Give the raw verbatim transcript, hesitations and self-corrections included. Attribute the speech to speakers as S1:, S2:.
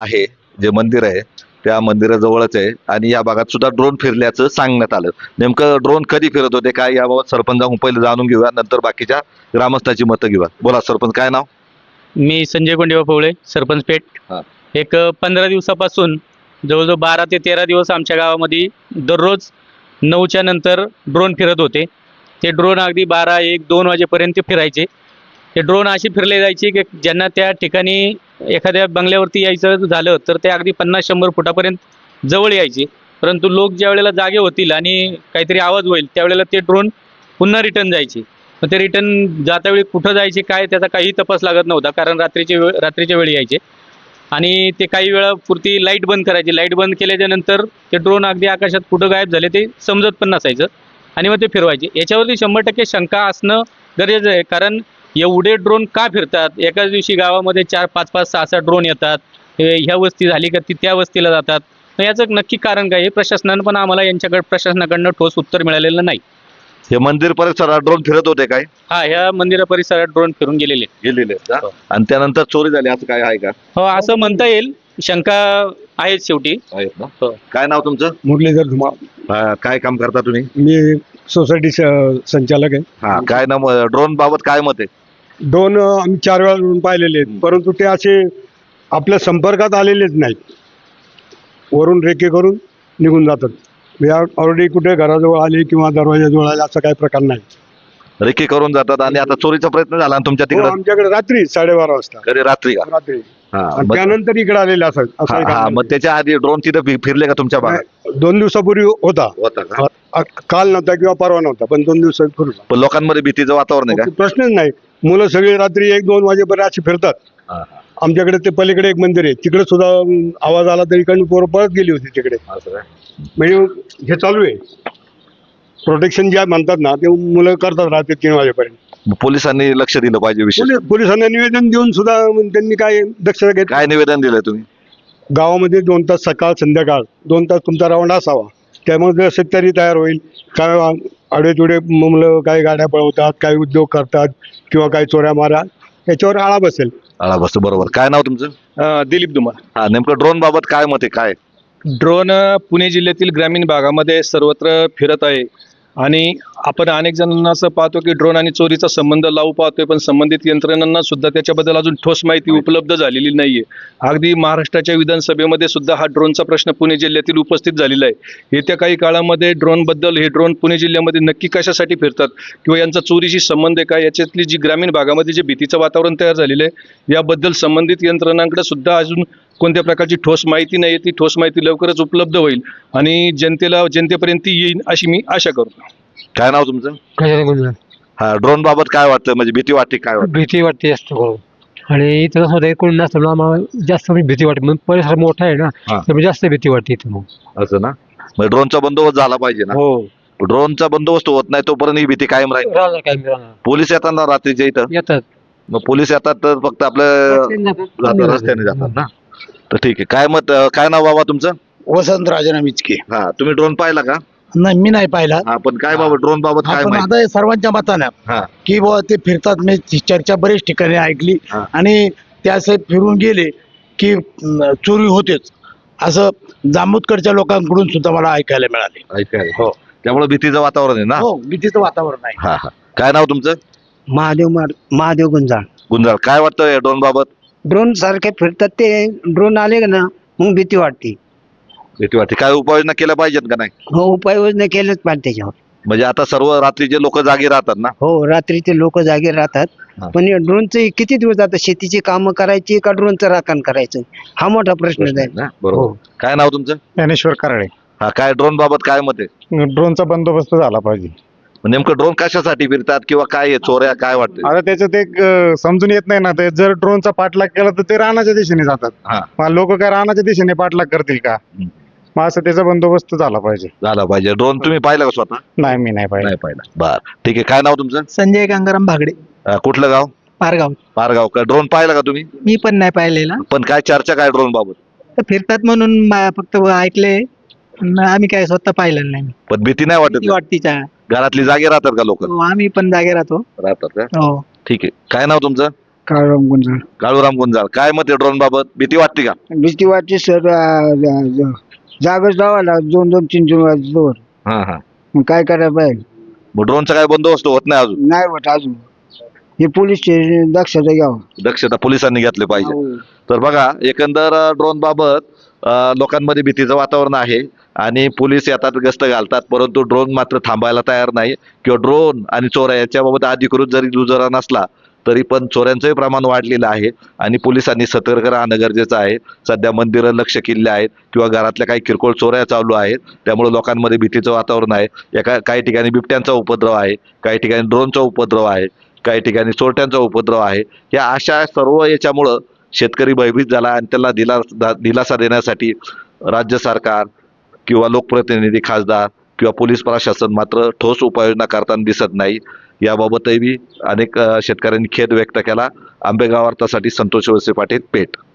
S1: आहे जे मंदिर आहे त्या मंदिराजवळच आहे आणि या भागात सुद्धा ड्रोन फिरल्याचं सांगण्यात आलं. नेमकं ड्रोन कधी फिरत होते काय याबाबत सरपंचाकडून पहिले जाणून घेऊया, नंतर बाकीच्या ग्रामस्थांची मतं घेऊया. बोला सरपंच, काय नाव?
S2: मी संजय गोंडेबा पवळे, सरपंच पेठ.
S1: हा.
S2: एक पंधरा दिवसापासून जवळजवळ बारा ते तेरा दिवस आमच्या गावामध्ये दररोज नऊच्या नंतर ड्रोन फिरत होते. ते ड्रोन अगदी बारा एक दोन वाजेपर्यंत फिरायचे. ते ड्रोन असे फिरले जायचे की ज्यांना त्या ठिकाणी एखाद्या बंगल्यावरती यायचं झालं तर ते अगदी पन्नास शंभर फुटापर्यंत जवळ यायचे. परंतु लोक ज्या वेळेला जागे होतील आणि काहीतरी आवाज होईल त्यावेळेला ते ड्रोन पुन्हा रिटर्न जायचे. मग ते रिटर्न जातावेळी कुठं जायचे काय त्याचा काही तपास लागत नव्हता, कारण रात्रीचे वेळ रात्रीच्या वेळी यायचे आणि ते काही वेळापुरती लाईट बंद करायची. लाईट बंद केल्याच्या नंतर ते ड्रोन अगदी आकाशात कुठं गायब झाले ते समजत पण नसायचं आणि मग ते फिरवायचे. याच्यावरती शंभर टक्के शंका असणं गरजेचं आहे, कारण एवढे ड्रोन का फिरतात? एकाच दिवशी गावामध्ये चार पाच पाच सहा सहा ड्रोन येतात. ह्या वस्ती झाली का ती त्या वस्तीला जातात. मग याचं नक्की कारण काय? हे प्रशासनानं पण आम्हाला यांच्याकडे प्रशासनाकडनं ठोस उत्तर मिळालेलं नाही.
S1: हे मंदिर परिसरात ड्रोन फिरत होते काय?
S2: हा, ह्या मंदिरा परिसरात ड्रोन फिरून गेलेले
S1: गेलेले आहेत का? आणि त्यानंतर चोरी झाली असं काय आहे का?
S2: हो, असं म्हणता येईल. शंका आहेच शेवटी.
S1: आहेत ना?
S2: हो.
S1: काय नाव तुमचं?
S3: मुरलीधर धुमाळ.
S1: हा, काय काम करता तुम्ही?
S3: मी सोसायटी संचालक आहे.
S1: हा, काय नाव? ड्रोन बाबत काय मत आहे?
S3: दोन आम्ही चार वेळा ड्रोन पाहिलेले आहेत, परंतु ते असे आपल्या संपर्कात आलेलेच नाहीत. वरून रेके करून निघून जातात. ऑलरेडी कुठे घराजवळ आले किंवा दरवाजाजवळ आले असा काही प्रकार नाही.
S1: रेकी करून जातात आणि आता चोरीचा प्रयत्न झाला ना तुमच्या
S3: हो,
S1: तिकडे?
S3: आमच्याकडे रात्री साडेबारा वाजता
S1: कधी रात्री का?
S3: रात्री
S1: हा,
S3: आणि
S1: मग-
S3: त्यानंतर इकडे आलेले असं असं
S1: हा,
S3: एक
S1: हा,
S3: आलेलं
S1: मग त्याच्या आधी ड्रोन तिथे फि- फिरले का तुमच्या भागात?
S3: नाही, दोन दिवसापूर्वी होता.
S1: होता का?
S3: अ- काल नव्हता किंवा परवा नव्हता, पण दोन दिवसापूर्वी
S1: पण लोकांमध्ये भीतीचं वातावरण आहे का?
S3: प्रश्नच नाही. मुलं सगळी रात्री एक दोन वाजेपर्यंत अशी फिरतात.
S1: हा, हा.
S3: आमच्याकडे ते पलीकडे एक मंदिर आहे, तिकडे सुद्धा अं, आवाज आला तरी इकडून पोरं पळत गेली होती तिकडे.
S1: असं काय?
S3: म्हणजे हे चालू आहे. प्रोटेक्शन जे म्हणतात ना ते मुलं करतात रात्री तीन वाजेपर्यंत.
S1: मग पोलिसांनी लक्ष दिलं पाहिजे विशेष.
S3: पोलीस पोलिसांना निवेदन देऊन सुद्धा त्यांनी काय दक्षता घेत.
S1: काय निवेदन दिलंय तुम्ही?
S3: गावामध्ये दोन तास सकाळ संध्याकाळ दोन तास तुमचा राऊंड असावा, त्यामुळे शेतकरी तयार होईल. काय आडेतुडे मुलं काही गाड्या पळवतात, काही उद्योग करतात किंवा काही चोऱ्या मारा, याच्यावर आळा बसेल.
S1: आळा बसतो, बरोबर. काय नाव तुमचं?
S4: दिलीप धुमाळ.
S1: हा, नेमकं ड्रोन बाबत काय मत आहे? काय
S4: ड्रोन पुणे जिल्ह्यातील ग्रामीण भागामध्ये सर्वत्र फिरत आहे आणि आपण अनेक जणांना असं पाहतो की ड्रोन आणि चोरीचा संबंध लावू पाहतोय, पण संबंधित यंत्रणांना सुद्धा त्याच्याबद्दल अजून ठोस माहिती उपलब्ध झालेली नाहीये. अगदी महाराष्ट्राच्या विधानसभेमध्ये सुद्धा हा ड्रोनचा प्रश्न पुणे जिल्ह्यातील उपस्थित झालेला आहे. येत्या काही काळामध्ये ड्रोन बद्दल हे ड्रोन पुणे जिल्ह्यामध्ये नक्की कशासाठी फिरतात किंवा यांचा चोरीशी संबंध आहे काय, याच्यातली जी ग्रामीण भागामध्ये जे भीतीचं वातावरण तयार झालेलं आहे याबद्दल संबंधित यंत्रणांकडे सुद्धा अजून कोणत्या प्रकारची ठोस माहिती नाही. ती ठोस माहिती लवकरच उपलब्ध होईल आणि जनतेला जनतेपर्यंत ती येईल अशी मी आशा करतो.
S1: काय नाव तुमचं? हा, ड्रोन बाबत काय वाटतं? म्हणजे भीती वाटते काय वाटतं?
S5: भीती वाटते जास्त करून. आणि इथं कसं होतं, कोणी नसतं ना, आम्हाला जास्त म्हणजे भीती वाटते. मग परिसर मोठा आहे ना,
S1: हा.
S5: त्यामुळे जास्त भीती वाटते इथं. मग
S1: असं ना? मग ड्रोनचा बंदोबस्त झाला पाहिजे ना?
S5: हो,
S1: ड्रोनचा बंदोबस्त होत नाही तोपर्यंत ही भीती कायम राहील.
S5: राहणार काय राहणार.
S1: पोलीस येतात ना रात्रीच्या इथं?
S5: येतात
S1: मग पोलीस येतात तर फक्त आपल्या जातात, रस्त्याने जातात ना? तर ठीक आहे. काय मत? काय नाव बाबा तुमचं?
S6: वसंत राजाराम इचके.
S1: हा, तुम्ही ड्रोन पाहिला का?
S6: नाही, मी नाही पाहिला.
S1: हा, पण काय बाबा ड्रोन बाबत काय
S6: आपण
S1: माहिती?
S6: आता हे सर्वांच्या मताने
S1: हा,
S6: की बुवा ते फिरतात. मी ती चर्चा बरेच ठिकाणी ऐकली
S1: हा.
S6: आणि त्या असे फिरून गेले की अं, चोरी होतेच असं जांबूतकडच्या लोकांकडून सुद्धा मला ऐकायला मिळाले.
S1: ऐकायला. हो, त्यामुळे भीतीचं वातावरण आहे ना?
S6: हो, भीतीचं वातावरण आहे.
S1: हा, हा. काय नाव तुमचं?
S7: महादेव मार महादेव गुंजाळ.
S1: गुंजाळ, काय वाटतं ड्रोन बाबत?
S7: ड्रोन सारखे फिरतात ते ड्रोन आले का ना, मग भीती वाटते.
S1: भीती वाटते. काय उपाययोजना केल्या पाहिजेत का नाही?
S7: हो, उपाययोजना केल्याच पाहिजे त्याच्यावर.
S1: म्हणजे आता सर्व रात्रीचे लोक जागी राहतात ना?
S7: हो, रात्रीचे लोक जागे राहतात.
S1: हा.
S7: पण या ड्रोनचे किती दिवस आता शेतीची कामं करायची का ड्रोनचं राखण करायचं, हा मोठा प्रश्न
S1: प्रश्न आहे
S7: आहे.
S1: ना? बरोबर. काय नाव तुमचं?
S3: ज्ञानेश्वर कराळे.
S1: हा, काय ड्रोन बाबत काय मत आहे?
S3: ड्रोनचा बंदोबस्त झाला पाहिजे.
S1: नेमकं ड्रोन कशासाठी फिरतात किंवा काय आहे? चोऱ्या काय वाटतं?
S3: आता त्याच्यात एक अं, समजून येत नाही ना, ते जर ड्रोनचा पाठलाग केला तर ते रानाच्या दिशेने जातात.
S1: हा.
S3: मग लोक काय रानाच्या दिशेने पाठलाग करतील का?
S1: हम्म.
S3: मग असं त्याचा बंदोबस्त झाला पाहिजे.
S1: झाला पाहिजे. ड्रोन तुम्ही पाहिला का स्वतः?
S3: नाही, मी नाही पाहिजे.
S1: नाही पाहिला. बर, ठीक आहे. काय नाव तुमचं?
S8: संजय गंगाराम भागडे,
S1: अं, कुठलं गाव?
S8: पारगाव.
S1: पारगाव का? ड्रोन पाहिला का तुम्ही?
S8: मी पण नाही पाहिलेला.
S1: पण काय चर्चा काय ड्रोन बाबत?
S8: तर फिरतात म्हणून मा- फक्त ऐकले, आम्ही काय स्वतः पाहिलेलं नाही.
S1: पण भीती नाही वाटत?
S8: भीती वाटतीच्या.
S1: घरातली जागे राहतात का लोक?
S8: हो, आम्ही पण जागे राहतो.
S1: राहतात का?
S8: हो,
S1: ठीक आहे. काय नाव तुमचं?
S7: काळराम गुंजाळ.
S1: काळूराम गुंजाळ, काय मत आहे ड्रोन बाबत? भीती वाटते का?
S7: भीती वाटते सर. जागच लावायला दोन दोन तीन तीन वाजता
S1: हा हा
S7: मग काय करायला पाहिजे?
S1: मग ड्रोनचा काय बंदोबस्त होत नाही अजून?
S7: नाही होत अजून. हे पोलीस स्टेशन दक्षता घ्यावं.
S1: दक्षता पोलिसांनी घेतली पाहिजे. तर बघा, एकंदर ड्रोन बाबत अ, लोकांमध्ये भीतीचं वातावरण आहे आणि पोलीस येतात, गस्त घालतात, परंतु ड्रोन मात्र थांबायला तयार नाही. किंवा ड्रोन आणि चोऱ्या याच्याबाबत अधिकृत जरी दुजोरा नसला तरी पण चोऱ्यांचंही प्रमाण वाढलेलं आहे आणि पोलिसांनी सतर्क राहणं गरजेचं आहे. सध्या मंदिरं लक्ष केलेली आहेत किंवा घरातल्या काही किरकोळ चोऱ्या चालू आहेत, त्यामुळे लोकांमध्ये भीतीचं वातावरण आहे. एका काही ठिकाणी बिबट्यांचा उपद्रव आहे, काही ठिकाणी ड्रोनचा उपद्रव आहे, काही ठिकाणी चोरट्यांचा उपद्रव आहे. या अशा सर्व याच्यामुळं शेतकरी भयभीत झाला आणि त्याला दिला दिलासा देण्यासाठी राज्य सरकार किंवा लोकप्रतिनिधी, खासदार किंवा पोलीस प्रशासन मात्र ठोस उपाययोजना करताना दिसत नाही. याबाबतही अनेक अ, शेतकऱ्यांनी खेद व्यक्त केला. आंबेगाव वार्तासाठी संतोष वळसे पाटील, पेठ.